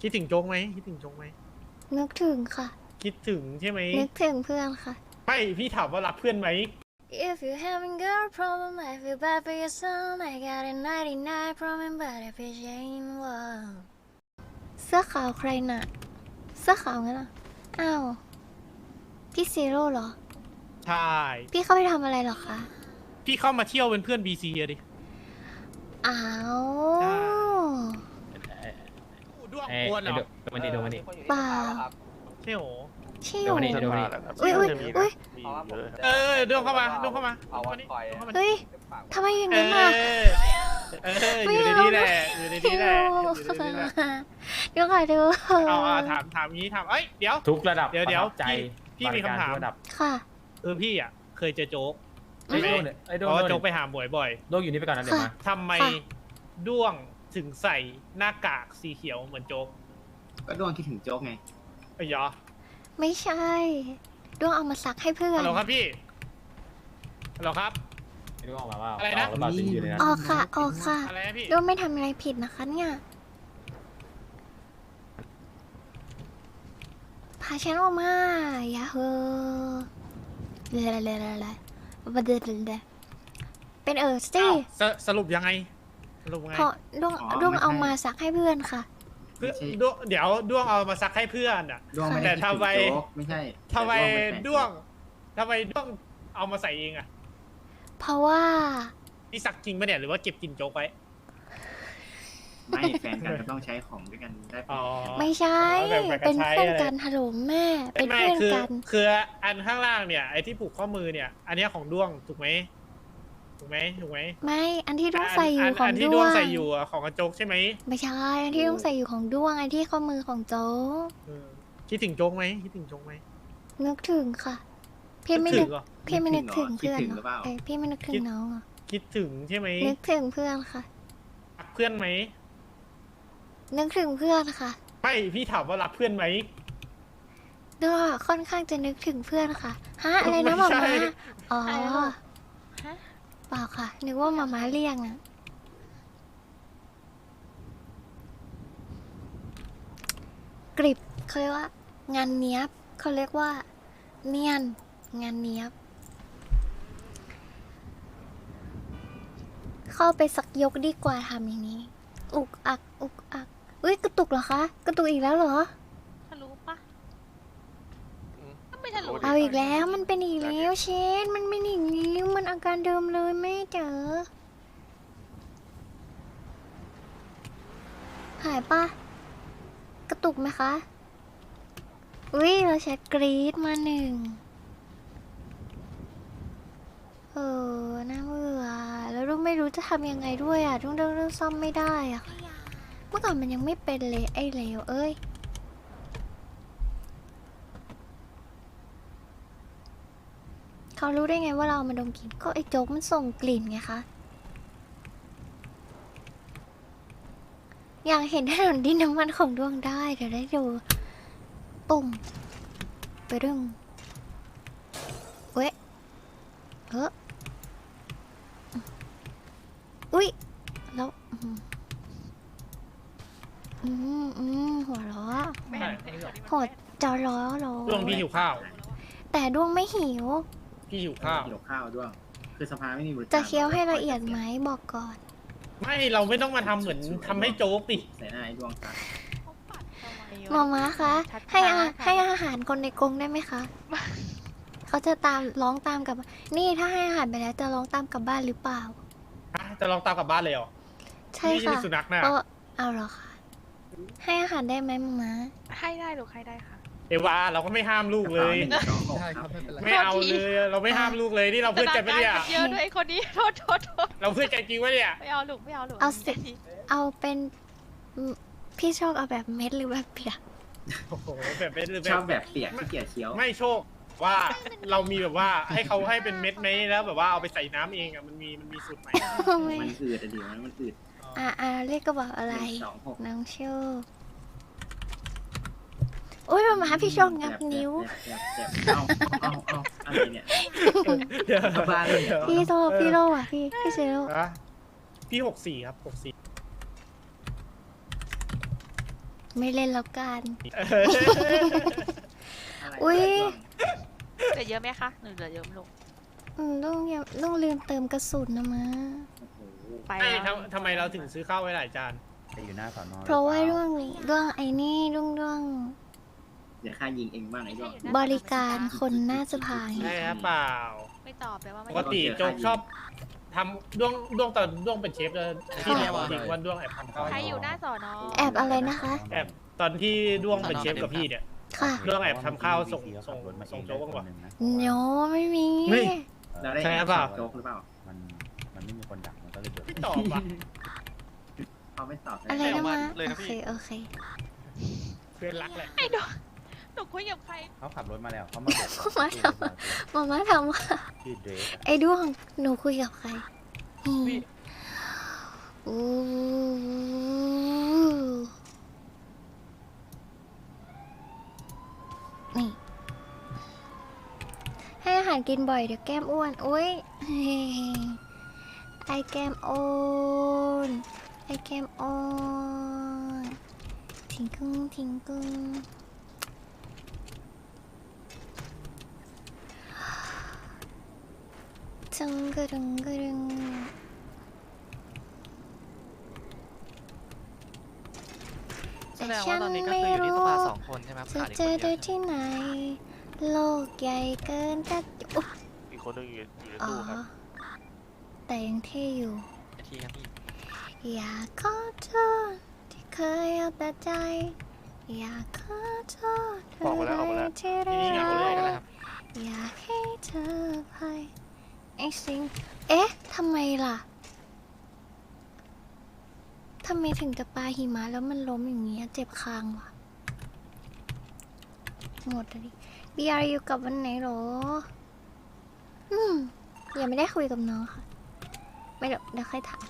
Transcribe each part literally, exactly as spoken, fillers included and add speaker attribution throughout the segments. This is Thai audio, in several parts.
Speaker 1: คิดถึงโจ๊กไหมคิดถึงโจ๊กไหม
Speaker 2: นึกถึงค่ะ
Speaker 1: คิดถึงใช่ไหม
Speaker 2: นึกถึงเพื่อนค่ะ
Speaker 1: ไม่พี่ถามว่ารักเพื่อนไหม
Speaker 2: If you having girl problem I feel bad for your son I got a ninety-nine problem but if it ain't one เสื้อขาวใครน่ะเสื้อขาวงั้นอ่ะอ้าวพี่ซีโร่เหรอ
Speaker 1: ใช่
Speaker 2: พี่เข้าไปทำอะไรเหรอคะ
Speaker 1: พี่เข้ามาเที่ยวเป็นเพื่อนบีซีอะดิ
Speaker 2: อ้าว
Speaker 1: ด้วงกวนเหรอ
Speaker 3: ดูมันดิดูมันดิ
Speaker 2: เปล่า
Speaker 1: ใช่โห
Speaker 2: ใช่
Speaker 3: ดู
Speaker 2: โห
Speaker 3: มันดิดูมันดิ
Speaker 2: อุ้ยอุ้ยอุ้ย
Speaker 1: เออด้วงเข้ามาด้วงเข้ามาด้วงเข้ามานี่
Speaker 2: เฮ้ยทำไมอย่าง
Speaker 1: เอ
Speaker 2: นั้นอ่ะ
Speaker 1: อเอออยู่ในนี้แหละอยู่ในนี้แหละอยู่ในนี้แหละ
Speaker 2: เดี๋ยวก่อนดู
Speaker 1: เอาเอาถามถามงี้ถามเอ้ยเดี๋ยว
Speaker 3: ทุกระดับ
Speaker 1: เดี๋ยวเดี๋ยว
Speaker 3: ประทับใจ
Speaker 1: พี่พี่มีคำถาม
Speaker 3: บริกรทุกระดับ
Speaker 2: ค่ะ
Speaker 1: เออพี่อ่ะเคยเจอโจ๊ก
Speaker 3: ไอ้
Speaker 1: ใช่ไหม
Speaker 3: โดนไอ้โด
Speaker 1: เพ
Speaker 3: น
Speaker 1: ราะว่า
Speaker 3: โด
Speaker 1: โจ๊ก
Speaker 3: น
Speaker 1: ไปหาหมวยบ่อย
Speaker 3: โดนอยู่นี่ไปก่อนนะเดี๋ยวมา
Speaker 1: ทำไม
Speaker 2: ค่ะ
Speaker 1: ด้วงถึงใส่หน้ากากสีเขียวเหมือนโจ๊ก
Speaker 4: ก็ดวงคิดถึงโจ๊กไง
Speaker 1: ไอ้ยอ
Speaker 2: ไม่ใช่ดวงเอามาซักให้เพื่อน
Speaker 1: ฮัลโหลครับพี่ฮัลโหลครับ
Speaker 3: ไม่รู้ออกมาว่า
Speaker 1: อะไรนะ
Speaker 3: เาหรือเปล่าจริงอยู่ในนั้น
Speaker 2: ออกค่ะออกค่ะ
Speaker 1: อะไรนะพี่
Speaker 2: ดวงไม่ทำอะไรผิดนะคะเนี่ยพาฉันออกมาอย่าเฮอเลเลเลเลเลบดเลเลเป็นเออสิ
Speaker 1: อ้าวสสรุปยังไงสรุปไง
Speaker 2: เพราะดวงดวงเอามาซักให้เพื่อนค่ะ
Speaker 1: เพื่อด้วงเดี๋ยวด้วงเอามาซักให้เพื่อนอ่ะ
Speaker 4: ดวงไม่
Speaker 1: แต่
Speaker 4: ได้คิดถึ
Speaker 1: ทำ
Speaker 4: ง
Speaker 1: ไม
Speaker 4: โจ๊กไม่ใช่
Speaker 1: ทำไม
Speaker 4: แต่
Speaker 1: ด้วงทำไมด้วงเอามาใส่เองอ่ะ
Speaker 2: เพราะว่า
Speaker 1: นี่ซักจริงปะเนี่ยหรือว่าเก็บกินโจ๊กไว้
Speaker 4: ไม่แฟนกันก็ต้องใช้ของด้วยกันได้ปะ
Speaker 1: อ๋อ
Speaker 2: ไม่ใช่
Speaker 1: แบ่งๆ
Speaker 2: เป็น
Speaker 1: ใช้
Speaker 2: เพื่อน
Speaker 1: อะไร
Speaker 2: กันฮัลโหลแม่เป็น
Speaker 1: ไม่
Speaker 2: เพื่อน
Speaker 1: คือ
Speaker 2: กัน
Speaker 1: คืออันข้างล่างเนี่ยไอ้ที่ผูกข้อมือเนี่ย อันเนี้ยของด้วงถูกไหมถูกไหมถูกไหม
Speaker 2: ไม่อันที่ดวงใส่อยู่ของ
Speaker 1: นนที่
Speaker 2: ด
Speaker 1: ด้
Speaker 2: ว
Speaker 1: วง
Speaker 2: ง
Speaker 1: ใส่อยู่อะของกระโจกใช่ไหม
Speaker 2: ไม่ใช่อันที่ดวงใส่อยู่ของดวงอันที่ข้อมือของโจ๊ก
Speaker 1: เออคิดถึงโจ๊กไหมคิดถึงโจ๊กไหม
Speaker 2: นึกถึงค่ะ พี่ไม่
Speaker 1: คิ
Speaker 2: นึ
Speaker 1: ด
Speaker 2: ก
Speaker 1: ถึงเหรอ
Speaker 2: พี่ไม่นึกถึง
Speaker 4: คิด
Speaker 2: เพื่อน
Speaker 4: ถึง
Speaker 2: เห
Speaker 4: ห
Speaker 2: ร
Speaker 4: รือเปล่า
Speaker 2: อเอ้ยพี่ไม่นึกถึงน้องเหรอ
Speaker 1: คิดถึงใช่ไหม
Speaker 2: นึกถึงเพื่อนค่ะ
Speaker 1: รักเพื่อนไหม
Speaker 2: นึกถึงเพื่อนค่ะ
Speaker 1: ไม่พี่ถามว่ารักเพื่อนไหม
Speaker 2: ด้วยค่อนข้างจะนึกถึงเพื่อนค่ะฮะอะไรนะ
Speaker 1: ไม่
Speaker 2: มา
Speaker 1: ใช่
Speaker 2: ม่าอ๋อ
Speaker 5: อะไรนะ
Speaker 2: เปล่าค่ะ นึกว่ามาม่าเรียกอะกริบเขาเรียกว่า งานเนี้ยบเขาเรียกว่า เนียน งานเนี้ยบ เข้าไปสักยกดีกว่าทำอย่างนี้ อุกอัก อุกอักอุ้ยกระตุกเหรอคะ กระตุกอีกแล้วเหรอ
Speaker 5: ทะลุปะก็ไม่ทะลุ
Speaker 2: เอาอีกแล้วมันเป็นอีกแล้วเชนมันเป็นอีกแล้วมันอาการเดิมเลยแม่เจอหายปะกระตุกไหมคะอุ้ยเราแชทกรีดมาหนึ่งเออน่าเบื่อแล้วลูกไม่รู้จะทำยังไงด้วยอ่ะทุกเรื่องเรื่องซ่อมไม่ได้อ่ะค่ะเมื่อก่อนมันยังไม่เป็นเลยไอ้เลวเอ้ยเขารู้ได้ไงว่าเรามาดมกลิ่นก็ไอ้โจ๊กมันส่งกลิ่นไงคะอยากเห็นถนนดินน้ำมันของดวงได้เดี๋ยวได้ดูปุ่มไปดึงเว้ยเอออุ้ยแล้วอืมอืมอืมหัวล้อ
Speaker 5: ไม่เห็นไอ้คนนี้มัน
Speaker 2: หัวจอล้อล้อ
Speaker 1: ด้วงพี่หิวข้าว
Speaker 2: แต่ดวงไม่หิว
Speaker 1: พี่หิวข้าว
Speaker 4: เกี่ยวข้าวด้วยคือสภาไม่มีบริการ
Speaker 2: จะเคี้ยวให้ละเอียดไหมบอกก่อน
Speaker 1: ไม่เราไม่ต้องมาทำเหมือนทำให้โจ๊กดิ
Speaker 4: ใส่หน้าไอ้ดวงซะ
Speaker 5: เขาปัดทำไมวะ
Speaker 2: หมอม้าคะ
Speaker 5: ชัดๆ
Speaker 2: ให้อา
Speaker 5: ค่ะ
Speaker 2: ให้อาหารคนในกรงได้ไหมคะ เขาจะตามร้องตามกลับ นี่ถ้าให้อาหารไปแล้วจะร้องตามกลับบ้านหรือเปล่า
Speaker 1: ฮะจะลองตามกลับบ้านเลยเหรอ
Speaker 2: ใช่
Speaker 1: นี่
Speaker 2: ค่ะ
Speaker 1: สุนัขน่ะ
Speaker 2: ก็เอาเหรอคะให้อาหารได้ไหมหมอม้า
Speaker 5: ให้ได้หรือให้ได้ค่ะ
Speaker 1: เอวาเราก็ไม่ห้ามลูกเลย
Speaker 4: หนึ่งสองหกครับ
Speaker 1: ไม่เอาเลยเราไม่ห้ามลูกเลยนี่เราเพื่อนกันปะเนี่ย
Speaker 5: เยอะด้วยไอ้คนนี้โทษโทษโทษ
Speaker 1: เราเพื่อนกันจริงปะเนี่ย
Speaker 5: ไม่เอาลูกไม่เอาลูก
Speaker 2: เอาสิ
Speaker 5: ที
Speaker 2: เอาเป็นอืมพี่ชอบเอาแบบเม็ดหรือแบบเปียก
Speaker 1: โอ้โหแบบเป็นหรือ
Speaker 4: ชอบ
Speaker 1: แบ
Speaker 4: แบบ บเปียกที่เกียจเคี้ยว
Speaker 1: ไม่โชคว่าเรามีแบบว่าให้เขาให้เป็นเม็ดไหมแล้วแบบว่าเอาไปใส่น้ำเองอ่ะมันมีมันมีสูตรไหม
Speaker 4: มันอืดอะดิมันมันอืด
Speaker 2: อ่าอ่าเลขกระบอกอะไร
Speaker 4: หนึ่งสองหก
Speaker 2: น้องโชคโอ้ยหมาม้าพี่โชคงับนิ้ว
Speaker 4: แจ็บแจ็บแจ็บเอาเอาเอาอะไรเนี่ย
Speaker 1: เดี๋ยว
Speaker 4: กลับบ้านเลย
Speaker 2: พี่โซพี่โลอ่ะพี่พี่เซโล
Speaker 1: อะพี่หกสี่ครับหกสี่
Speaker 2: ไม่เล่นแล้วกัน
Speaker 1: เออ
Speaker 4: อะไร
Speaker 2: อุ๊ย
Speaker 5: เหลือเยอะไหมคะหนูเหลือเยอะไหมลูก
Speaker 2: อืมต้องยังต้องลืมเติมกระสุนนะมะ
Speaker 4: โอ้โห
Speaker 5: ไป
Speaker 1: ไอ้
Speaker 5: แล้ว
Speaker 1: ทำทำไมเราถึงซื้อข้าวไว้หลายจาน
Speaker 3: จะอยู่หน้าสอนอ
Speaker 2: เพราะว่าร่วงนี้ร่วงไอ้นี่ร่วงร่วง
Speaker 4: เดี๋ยวข้ายิงเองบ้างไอ้ดอก
Speaker 2: บริการคนหน้าสภา
Speaker 1: ใช่ครับเปล่า
Speaker 5: ไม่ตอบแปลว่าไม่
Speaker 1: ปกติโจ๊กชอบทำด้วงด้วงตอนด้วงเป็นเชฟเลยที่แอบจริงว่าด้วงแอบทำข้าว
Speaker 5: ใครอยู่หน้าสอนอ
Speaker 2: แอบอะไรนะคะ
Speaker 1: แอบตอนที่ด้วงเป็นเชฟกับพี่เนี่ย
Speaker 2: ค่ะ
Speaker 1: เรื่องแอบทำข้าวส่งส่งส่งโจ๊กบ้างวะ
Speaker 2: โนไม่มี
Speaker 1: เฮ้ย
Speaker 4: เราได้
Speaker 1: ใช่
Speaker 4: แอบ
Speaker 1: เปล่า
Speaker 4: โจ๊กหรือเปล่า
Speaker 3: มันมันไม่มีคนดักมันก็เลยเดือด
Speaker 1: ไม่ตอบอ่ะ
Speaker 4: เขาไม่ตอบ
Speaker 2: อะไรนะมะ
Speaker 6: เลย
Speaker 2: โอ
Speaker 6: นะพี่
Speaker 2: เคโอเค
Speaker 1: เพื่อนรักแหละ
Speaker 5: ไอ้ดอกหนูคุยกับใคร
Speaker 3: เขาขับรถมาแล้วเขามาบอก
Speaker 2: เขามาทำ มาม่าถามว่า
Speaker 3: ชื่อเดรกอะ
Speaker 2: ไอ้ด้วงหนูคุยกับใครอืมอู้นี่ ให้อาหารกินบ่อยเดี๋ยวแก้มอ้วนโอ้ยเฮ้ไอแก้มอ้วนไอแก้มอ้วนทิ้งกุ้งทิ้งกุ้งจังกระดึงกระดึง
Speaker 6: แสดงว่าตอนนี้ก็คืออยู่ที่สภาสองคนใช่ไหมครับ
Speaker 2: จะ
Speaker 6: ขาดอีก
Speaker 2: เจ
Speaker 6: คน
Speaker 2: อ
Speaker 6: เดี
Speaker 2: ได้
Speaker 6: ยว
Speaker 2: ที่ไหน โลกใหญ่เกินจะอุ๊ย
Speaker 6: อีกคนหนึงอยู่อยู่ใน
Speaker 2: อ๋อ
Speaker 6: ตู้ครับ
Speaker 2: แต่ยังเท่อยู่
Speaker 6: ทีครับพี่
Speaker 2: อยากขอโทษที่เคยเอาแต่ใจ อยากขอโทษ
Speaker 6: ออกมาแล้วออกมาแล้ว
Speaker 2: ที่
Speaker 1: ทีนี้เหงาเลย
Speaker 6: ก็
Speaker 2: ร้า
Speaker 6: ได้
Speaker 2: ย
Speaker 6: ครับ
Speaker 2: อยากให้เธอไปไอ้สิงเอ๊ะทำไมล่ะทำไมถึงจะปาหิมะแล้วมันล้มอย่างเงี้ยเจ็บคางวะหมดเลยดิบีอาร์อยู่กับวันไหนหรอ อืมยังไม่ได้คุยกับน้องค่ะ ไม่เดี๋ยวเดี๋ยวค่อยถาม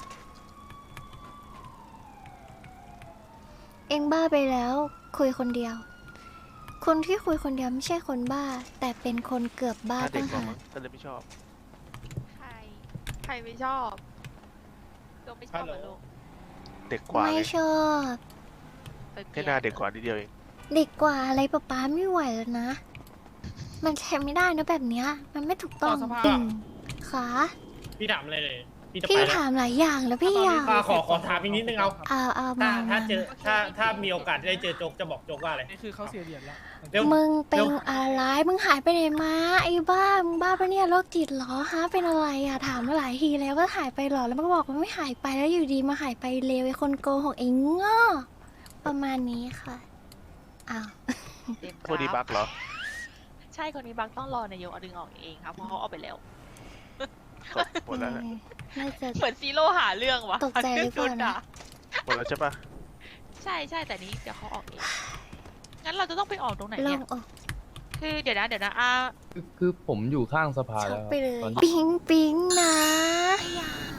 Speaker 2: เองบ้าไปแล้ว คุยคนเดียว คนที่คุยคนเดียวไม่ใช่คนบ้า แต่เป็นคนเกือบบ้า
Speaker 6: ถ้าเด็
Speaker 2: ตั้
Speaker 6: ก
Speaker 2: ง
Speaker 6: กว่า
Speaker 2: หาก
Speaker 6: มั้งถ้าเลยไม่ชอบ
Speaker 5: ใคร ใครไม่ชอบโดมไม่ชอบเหรอลูก
Speaker 6: เด็กกว่า
Speaker 2: ไม่
Speaker 6: ไง
Speaker 2: ชอบ
Speaker 5: ไปเป
Speaker 6: แค่
Speaker 5: ลี่ย
Speaker 6: หน้าเด็กกว่านิดเดียวเอง
Speaker 2: เด็กกว่าอะไรป๊าป๊าไม่ไหวแล้วนะ มันใช้ไม่ได้นะแบบเนี้ย มันไม่ถูกต้อง
Speaker 1: ต่อสภาพ
Speaker 2: จริงขา
Speaker 1: พี่ถามอะไรเลยพี่จะไป
Speaker 2: พี่
Speaker 1: แล้ว
Speaker 2: ถามหลายอย่างแล้วพี่อยาก
Speaker 1: อ่ะขอขอถามอีกนิดนึงเอา
Speaker 2: เอาเอา
Speaker 1: ถ้า
Speaker 2: มา
Speaker 1: ถ้า
Speaker 2: มา
Speaker 1: เจอถ้าถ้ามีโอกาสได้เจอโจ๊กจะบอกโจ๊กว่าอะไร
Speaker 7: นี่คือเขาเสียเหรียญแล้ว
Speaker 1: เร็ว
Speaker 2: มึงเป็
Speaker 1: เร็
Speaker 2: น
Speaker 1: ว
Speaker 2: อะไร มึงหายไปไหนมา ไอ้บ้า มึงบ้าปะเนี่ยโรคจิตเหรอฮะ เป็นอะไรอะถามมาหลายทีแล้วว่าหายไปเหรอ แล้วมันก็บอกว่าไม่หายไปแล้วอยู่ดีมาหายไปเลวไอ้คนโกหกเองง้อประมาณนี้ค่ะ อ้าว
Speaker 5: เต็ม
Speaker 6: พวกนี้บักเหรอ
Speaker 5: ใช่คนนี้บักต้องรอนายกเอาดึงออกเองครับเพราะเขาเอาไปแล้ว
Speaker 6: ก็หมดแล้วนะ
Speaker 2: น่าจะ
Speaker 5: เหมือนซีโร่หาเรื่องวะ
Speaker 2: ตกใจหรือเปล่านะ
Speaker 6: หมดแล้วใช่ปะ
Speaker 5: ใช่ใช่แต่นี้เดี๋ยวเขาออกเองงั้นเราจะต้องไปออกตรงไหน
Speaker 2: ล
Speaker 5: เนี่
Speaker 2: อย งออก
Speaker 5: คือเดี๋ยวนะเดี๋ยวนะอ่า
Speaker 8: คือคือผมอยู่ข้างสภา
Speaker 2: ช็อ
Speaker 8: แล้
Speaker 2: ก
Speaker 8: ว
Speaker 2: ไปเลย
Speaker 8: ตอนนี้
Speaker 2: ปิ๊งปิ๊งนะ
Speaker 5: ไอ้ยา